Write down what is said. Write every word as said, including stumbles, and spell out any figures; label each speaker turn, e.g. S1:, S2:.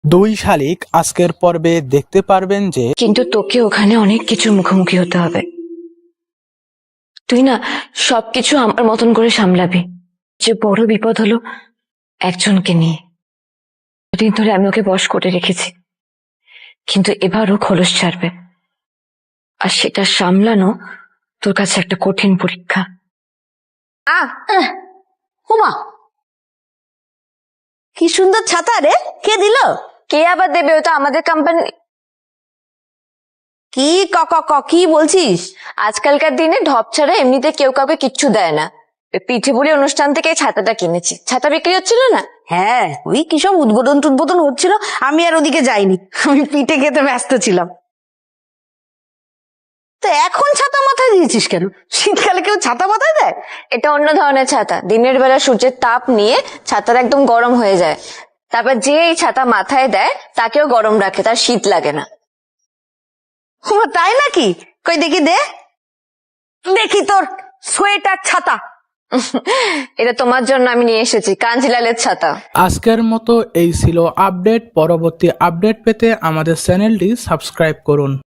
S1: দুই শালিক আজকের পর্বে দেখতে পারবেন যে
S2: কিন্তু তোকে ওখানে অনেক কিছু মুখোমুখি হতে হবে। তুই না সবকিছু আমার মতন করে সামলাবি। যে বড় বিপদ হলো একজনকে নিয়ে। দুদিন ধরে আমি ওকে বশ করে রেখেছি, কিন্তু এবারও খোলস ছাড়বে, আর সেটা সামলানো তোর কাছে একটা কঠিন পরীক্ষা।
S3: আহ হুমা, কি সুন্দর ছাতা রে, কে দিল?
S2: কে আবার দেবে? ওটা আমাদের কোম্পানি।
S3: কি ক ক ক কি বলছিস?
S2: আজকালকার দিনে ঢপ ছাড়া এমনিতে কেউ কাউকে কিচ্ছু দেয় না। পিঠে পুলি অনুষ্ঠান থেকে এই ছাতাটা কিনেছি। ছাতা বিক্রি হচ্ছিল না?
S3: হ্যাঁ, ওই কি সব উদ্বোধন টুদ্বোধন হচ্ছিল, আমি আর ওদিকে যাইনি, আমি পিঠে খেতে ব্যস্ত ছিলাম। তো এখন ছাতা মাথায় দিয়েছিস কেন? শীতকালে কেউ ছাতা মাথায় দেয়?
S2: এটা অন্য ধরনের ছাতা। দিনের বেলা সূর্যের তাপ নিয়ে ছাতাটা একদম গরম হয়ে যায়, তারপর যে এই ছাতা মাথায় দেয় তাকেও গরম রাখে, তার শীত লাগে না।
S3: হুমা, তাই নাকি? কই দেখি দে, দেখি তোর সোয়েটার ছাতা।
S2: এটা তোমার জন্য আমি নিয়ে এসেছি, কাঞ্জিলালের ছাতা।
S1: আজকের মতো এই ছিল আপডেট। পরবর্তী আপডেট পেতে আমাদের চ্যানেলটি সাবস্ক্রাইব করুন।